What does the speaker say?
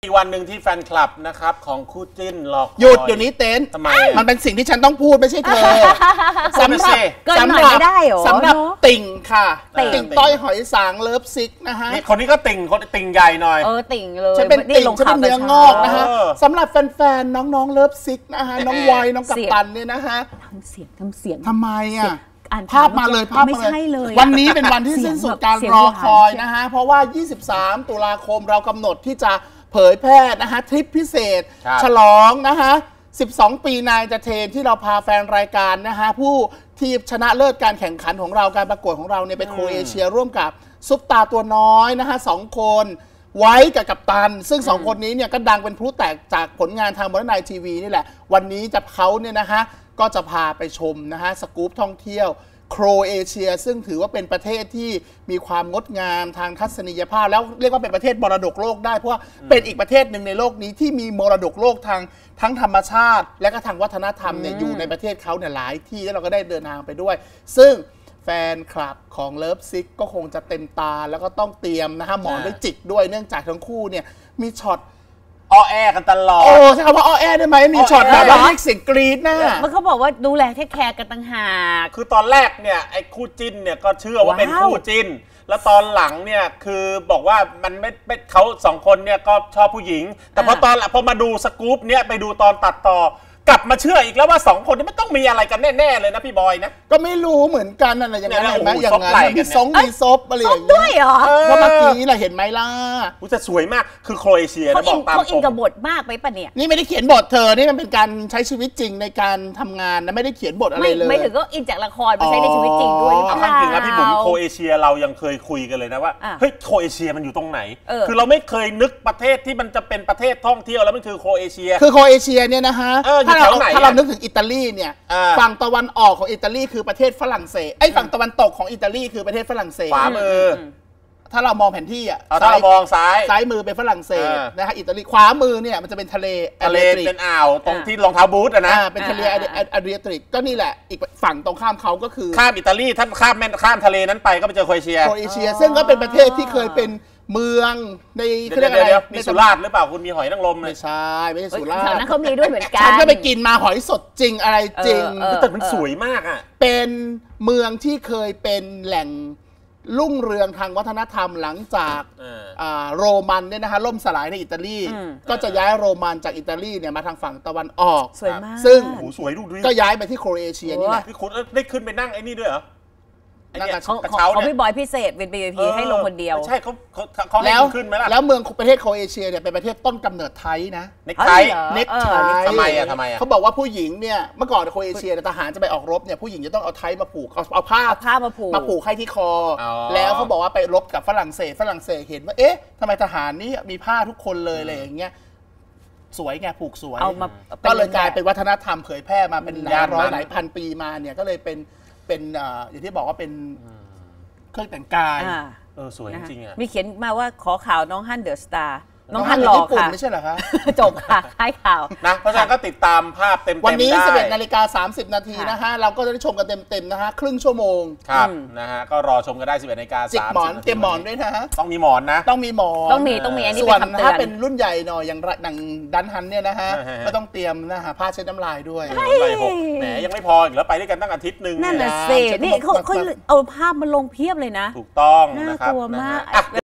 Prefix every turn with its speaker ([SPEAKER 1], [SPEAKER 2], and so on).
[SPEAKER 1] อีกวันหนึ่งที่แฟนคลับนะครับของคู่จิ้นหลอก
[SPEAKER 2] หยุดเดี๋ยวนี้เต้น
[SPEAKER 1] ทำไม
[SPEAKER 2] มันเป็นสิ่งที่ฉันต้องพูดไม่ใช่เธอสำหรับติ่งค่ะติ่งต้อยหอยสางเลิฟซิกนะฮะ
[SPEAKER 1] คนนี้ก็ติ่งคนติ่งใหญ่หน่อย
[SPEAKER 3] ติ่งเลย
[SPEAKER 2] ฉันเป็นติ่งฉันเป็นเนื้องอกนะฮะสำหรับแฟนๆน้องๆเลิฟซิกนะฮะน้องวายน้องกัปตันเนี่ยนะฮะ
[SPEAKER 3] ทำเสียง
[SPEAKER 2] ทำไมอ่ะภาพมาเลยวันนี้เป็นวันที่สิ้นสุดการรอคอยนะฮะเพราะว่า23 ตุลาคมเรากำหนดที่จะเผยแพร่นะฮะทริปพิเศษฉลองนะฮะ12 ปีนายจะเทนที่เราพาแฟนรายการนะฮะผู้ที่ชนะเลิศการแข่งขันของเราการประกวดของเราเนี่ยไปโครเอเชียร่วมกับซุปตาตัวน้อยนะฮะ2 คนไว้กับกัปตันซึ่ง2 คนนี้เนี่ยก็ดังเป็นพลุแตกจากผลงานทางมรณะทีวีนี่แหละวันนี้จะเขาเนี่ยนะฮะก็จะพาไปชมนะฮะสกู๊ปท่องเที่ยวโครเอเชียซึ่งถือว่าเป็นประเทศที่มีความงดงามทางทัศนียภาพแล้วเรียกว่าเป็นประเทศมรดกโลกได้เพราะว่าเป็นอีกประเทศหนึ่งในโลกนี้ที่มีมรดกโลกทางทั้งธรรมชาติและก็ทางวัฒนธรรมเนี่ยอยู่ในประเทศเขาเนี่ยหลายที่แล้วเราก็ได้เดินทางไปด้วยซึ่งแฟนคลับของเลิฟซิกก็คงจะเต็มตาแล้วก็ต้องเตรียมนะฮะหมอนด้วยจิกด้วยเนื่องจากทั้งคู่เนี่ยมีช็อต
[SPEAKER 1] อ้อแอกันตลอด
[SPEAKER 2] ใช่คำว่าอ้อแอได้ไหมมีช็อตแบบว่าเสียงกรี๊ดนะ
[SPEAKER 3] มันเขาบอกว่าดูแลเทคแคร์กันต่างหาก
[SPEAKER 1] คือตอนแรกเนี่ยไอ้คู่จิ้นเนี่ยก็เชื่อว่าเป็นคู่จิ้นแล้วตอนหลังเนี่ยคือบอกว่ามันไม่เขา2 คนเนี่ยก็ชอบผู้หญิงแต่พอมาดูสกู๊ปเนี่ยไปดูตอนตัดต่อกลับมาเชื่ออีกแล้วว่า2 คนนี้ไม่ต้องมีอะไรกันแน่ๆเลยนะพี่บอยนะ
[SPEAKER 2] ก็ไม่รู้เหมือนกันอะไรอย่างนั้นเห็นไหมอย่างนั้นมีซบอะไรอย่างเงี้ย
[SPEAKER 3] ด้วยเหรอ
[SPEAKER 2] เพราะเมื่อกี้เราเห็นไหมล่ะ
[SPEAKER 1] จะสวยมากคือโครเอเชีย
[SPEAKER 3] บอกตามเขาอินกับบทมากไปปะเนี่ย
[SPEAKER 2] นี่ไม่ได้เขียนบทเธอนี่มันเป็นการใช้ชีวิตจริงในการทำงานนะไม่ได้เขียนบทอะไรเลย
[SPEAKER 3] ไม่ถึงก็อินจากละครไปใช้ในชีวิตจริงด้วย
[SPEAKER 1] จริงนะพี่บุ๋มโครเอเชียเรายังเคยคุยกันเลยนะว่าเฮ้ยโครเอเชียมันอยู่ตรงไหนคือเราไม่เคยนึกประเทศที่มันจะเป็นประเทศท่องเที่ยวแล้วมันคือโครเอเชีย
[SPEAKER 2] คือโครเอเชียเนี่ยนะฮะถ้าเรานึกถึงอิตาลีเนี่ยฝั่งตะวันออกของอิตาลีคือประเทศฝรั่งเศสฝั่งตะวันตกของอิตาลีคือประเทศฝรั่งเศส
[SPEAKER 1] ขวามือ
[SPEAKER 2] ถ้าเรามองแผนที่
[SPEAKER 1] ถ้าเรามองซ้าย
[SPEAKER 2] มือเป็นฝรั่งเศสนะฮะอิตาลีขวามือเนี่ยมันจะเป็นทะเล
[SPEAKER 1] เป็นอ่าวตรงที่รองเท้าบูทนะ
[SPEAKER 2] เป็นทะเลอะดรียติกก็นี่แหละอีกฝั่งตรงข้ามเขาก็คือ
[SPEAKER 1] ข้ามอิตาลีถ้าข้ามทะเลนั้นไปก็ไปเจอโครเอเชีย
[SPEAKER 2] ซึ่งก็เป็นประเทศที่เคยเป็นเมืองใน
[SPEAKER 1] เรียกอะไรมีสุราษฎร์หรือเปล่าคุณมีหอยนางรม
[SPEAKER 2] ไม่ใช่ไม่ใช่สุราษฎร์
[SPEAKER 3] นั้นเขามีด้วยเหมือนกัน
[SPEAKER 2] ฉันก็ไปกินมาหอยสดจริงอะไรจริง
[SPEAKER 1] แต่มันสวยมากอ่ะ
[SPEAKER 2] เป็นเมืองที่เคยเป็นแหล่งรุ่งเรืองทางวัฒนธรรมหลังจากโรมันเนี่ยนะฮะล่มสลายในอิตาลีก็จะย้ายโรมันจากอิตาลีเนี่ยมาทางฝั่งตะวันออก
[SPEAKER 3] สวยมาก
[SPEAKER 2] ซึ่ง
[SPEAKER 1] สวยดูดิ
[SPEAKER 2] ก็ย้ายไปที่โครเอเชียนี่แหละ
[SPEAKER 1] พี่คุณได้ขึ้นไปนั่งไอ้นี่ด้วยเหรอ
[SPEAKER 3] เขาพี่บอยพิเศษเป็น VIP ให้ลงคนเดียว
[SPEAKER 1] ใช่เขาให้ขึ้นไหมล่ะ
[SPEAKER 2] แล้วเมืองประเทศโครเอเชียเนี่ยเป็นประเทศต้นกำเนิดไทยนะ
[SPEAKER 1] เน็กไททำไม
[SPEAKER 2] เขาบอกว่าผู้หญิงเนี่ยเมื่อก่อนโครเอเชียทหารจะไปออกรบเนี่ยผู้หญิงจะต้องเอาไทมาผูกเอาผ้ามาผูกให้ที่คอแล้วเขาบอกว่าไปรบกับฝรั่งเศสเห็นว่าเอ๊ะทำไมทหารนี่มีผ้าทุกคนเลยอะไรอย่างเงี้ยสวยไงผูกสวยก็เลยกลายเป็นวัฒนธรรมเผยแพร่มาเป็นหลายพันปีมาเนี่ยก็เลยเป็นอย่างที่บอกว่าเป็นเครื่องแต่งกาย
[SPEAKER 1] สวยจริงอ่ะ
[SPEAKER 3] มีเขียนมาว่าขอข่าวน้องฮั่นเดอะสตาร์น้องฮั่นหล่อค่ะ
[SPEAKER 2] ไม่ใช่เหรอคะ
[SPEAKER 3] จบค่ะให้ข่าว
[SPEAKER 1] นะเพราะฉะนั้นก็ติดตามภาพเต็มๆ
[SPEAKER 2] วันนี้ 11:30 นาทีนะฮะเราก็จะได้ชมกันเต็มๆนะฮะครึ่งชั่วโมง
[SPEAKER 1] ครับนะฮะก็รอชมกันได้ 11:30
[SPEAKER 2] จิกหมอนเตรียมหมอนด้วยนะฮะ
[SPEAKER 1] ต้องมีหมอนนะ
[SPEAKER 2] ต้องมีหมอน
[SPEAKER 3] ต้องมีอันนี้
[SPEAKER 2] ส่วนถ้าเป็นรุ่นใหญ่หน่อยอย่างหนังดันฮันเนี่ยนะฮะก็ต้องเตรียมนะฮะผ้าเช็ดน้ำลายด้วย
[SPEAKER 1] แหมยังไม่พออีกแล้วไปด้วยกันตั้งอาทิตย์นึง
[SPEAKER 3] นั่นน่ะสินี่เขาเอาภาพมาลงเพียบเลยนะ
[SPEAKER 1] ถูกต้อง
[SPEAKER 3] น่ากลัวมาก